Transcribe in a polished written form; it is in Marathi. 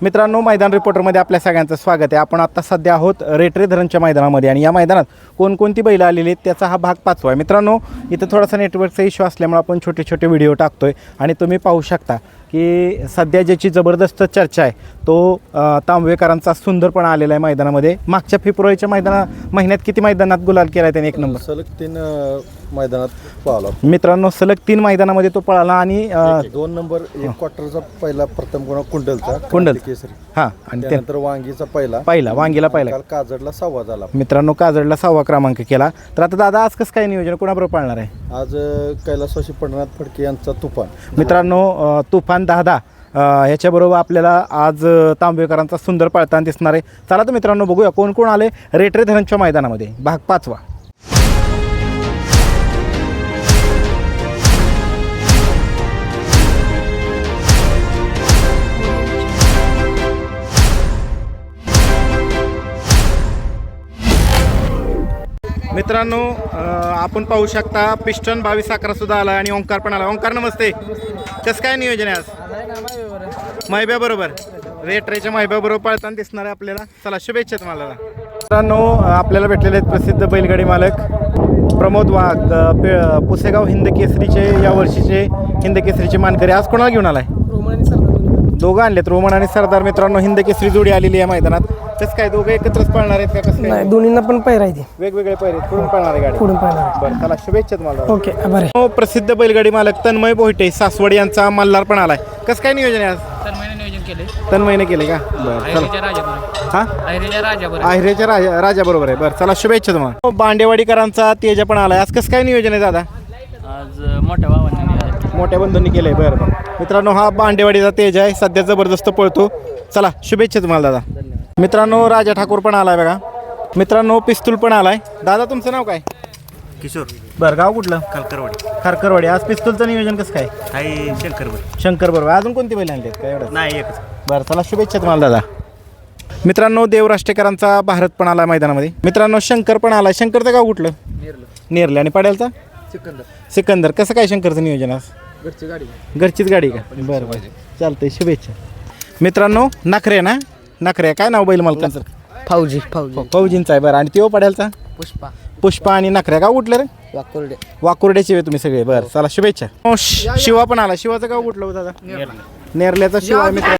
मित्रांनो, मैदान रिपोर्टरमध्ये आपल्या सगळ्यांचं स्वागत आहे. आपण आता सध्या आहोत रेटरे धरणच्या मैदानामध्ये आणि या मैदानात कोणकोणती बैल आलेली आहेत त्याचा हा भाग 5 आहे. मित्रांनो, इथं थोडासा नेटवर्कचा इश्यू असल्यामुळे आपण छोटे छोटे व्हिडिओ टाकतोय आणि तुम्ही पाहू शकता की सध्या ज्याची जबरदस्त चर्चा आहे तो तांबवेकरांचा सुंदरपणा आलेला आहे मैदानामध्ये. मागच्या फेब्रुवारीच्या महिन्यात किती मैदानात गुलाल केला आहे त्याने? 1 नंबर. सलग 3 मैदानात पळाला मित्रांनो, सलग 3 मैदानामध्ये तो पळाला आणि 2 नंबर 1 क्वार्टरचा पहिला प्रथम गुण कुंडलचा कुंडल केसरी. हां, आणि त्यानंतर वांगीचा पहिला वांगीला पहिला. काल काजडला 6वा झाला. मित्रांनो, काजडला 6वा क्रमांक केला. तर आता दादा, आज कसं काय नियोजन, कोणाबरोबर पाळणार आहे? आज कैलासवासी पंढरनाथ फडके यांचा तुफान. मित्रांनो, तुफान 10 ह्याच्याबरोबर आपल्याला आज तांबवेकरांचा सुंदर पळताना दिसणार आहे. चला तर मित्रांनो, बघूया कोण कोण आले रेटरे धरणच्या मैदानामध्ये. भाग 5. मित्रांनो, आपण पाहू शकता पिस्टन 22-11 सुद्धा आला आणि ओंकार पण आला. ओंकार, नमस्ते. कसं काय नियोजन आहे आज? माहिब्या बरोबर, रेटरेच्या माहिब्या बरोबर पळताना दिसणार आहे आपल्याला. चला, शुभेच्छा तुम्हाला. मित्रांनो, आपल्याला भेटलेले आहेत प्रसिद्ध बैलगाडी मालक प्रमोद वाघ, पुसेगाव हिंद केसरीचे या वर्षीचे हिंद केसरीचे मानकरी. आज कोणाला घेऊन आलाय? दोघं आणलेत, रोमन आणि सरदार. मित्रांनो, हिंद केसरी जोडी आलेली आहे मैदानात. कसं काय, दोघं एकत्रच पळणार आहेत का? कसं काय? दोन्हींना पण पैरा आहे. वेगवेगळे पैरे कुठून पळणार आहे गाडी? पुढून पळणार. बरं, चला, शुभेच्छा तुम्हाला. ओके, बरं. प्रसिद्ध बैलगाडी मालक तन्मय बोहिटे सासवड यांचा मल्हार पण आलाय. कसं काय नियोजन आहे आज? तन्मयने केले का? बरं, हां, आहिरेच्या राजा बरोबर आहे. बरं, चला, शुभेच्छा तुम्हाला. बांडेवाडीकरांचा तेजा पण आलाय. आज कसं काय नियोजन आहे दादा? आज मोठ्या बंधूंनी केलंय. बरं बरं. मित्रांनो, हा बांडेवाडीचा तेज आहे, सध्या जबरदस्त पळतो. चला, शुभेच्छा तुम्हाला दादा. मित्रांनो, राजा ठाकूर पण आलाय बघा. मित्रांनो, पिस्तूल पण आलाय. दादा, तुमचं नाव काय? किशोर. बरं, गाव कुठलं? खारकरवाडी. आज पिस्तूलचं नियोजन कसं काय? आहे शंकर बरोबर. अजून कोणती बैल आणली काय? एवढं नाही, एकच. बरं, चला, शुभेच्छा तुम्हाला दादा. मित्रांनो, देवराष्ट्रेकरांचा भारत पण आला मैदानामध्ये. मित्रांनो, शंकर पण आलाय. शंकरचं गाव कुठलं? नेरले. आणि पड्यालचा सिकंदर. कसं काय शंकरचं नियोजन आज? घरचीच गाडी का? बरं बरं, चालतंय, शुभेच्छा. मित्रांनो, नखरे ना? नखरे. काय नाव बैल मालकांचं? फौजींचा आहे. बरं, आणि त्यो पड्यालचा? पुष्पा आणि नखऱ्या. गाव कुठलं रे? वाकुर्ड्याचे तुम्ही सगळे. बरं, चला, शुभेच्छा. शिवा पण आला. शिवाचं गाव कुठलं दादा? नेरल्याचा शिवा. मित्र